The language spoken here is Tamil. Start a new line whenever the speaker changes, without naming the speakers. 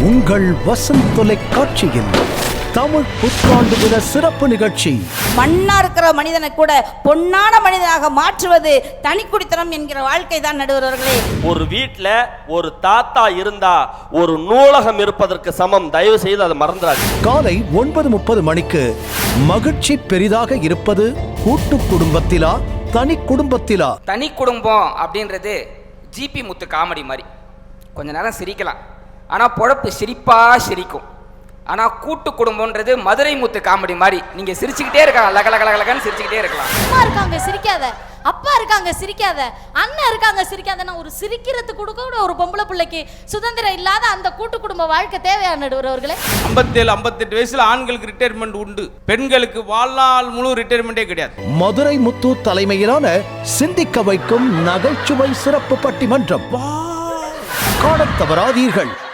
உங்கள் வசந்த் தொலைக்காட்சியில் தமிழ் புத்தாண்டு தின சிறப்பு நிகழ்ச்சி.
மண்ணா இருக்கிற மனிதனை கூட பொன்னான மனிதனாக மாற்றுவது தனிக்குடித்தனம் என்கிற வாழ்க்கை தான் நடுவர்களே.
ஒரு வீட்டில் ஒரு தாத்தா இருந்தா ஒரு நூலகம் இருப்பதற்கு சமம். தயவு செய்து அதை மறந்துடாது.
காலை 9:30 மணிக்கு மகிழ்ச்சி பெரிதாக இருப்பது கூட்டு குடும்பத்திலா தனி குடும்பத்திலா?
தனி குடும்பம் அப்படின்றது ஜிபி முத்து காமெடி மாதிரி கொஞ்ச நேரம் சிரிக்கலாம், ஆனால் பொழப்பு சிரிக்கும். ஆனால் கூட்டு குடும்பம்ன்றது மதுரை முத்து காமெடி மாதிரி நீங்கள் சிரிச்சுக்கிட்டே இருக்கலாம், லகலகலகலன்னு சிரிச்சுக்கிட்டே இருக்கலாம்.
அம்மா இருக்காங்க சிரிக்காத, அப்பா இருக்காங்க சிரிக்காத, அண்ணன் இருக்காங்க சிரிக்காதன்னா ஒரு சிரிக்கிறதுக்கு கூட ஒரு பொம்பளை பிள்ளைக்கு சுதந்திரம் இல்லாத அந்த கூட்டு குடும்ப வாழ்க்கை தேவையான நடுவர்களே.
57-58 வயசுல ஆண்களுக்கு ரிட்டையர்மெண்ட் உண்டு, பெண்களுக்கு வாழ்நாள் முழு ரிட்டையர்மெண்டே கிடையாது.
மதுரை முத்து தலைமையிலான சிந்திக்க வைக்கும் நகைச்சுவை சிறப்பு பட்டிமன்றம் காணத் தவறாதீர்கள்.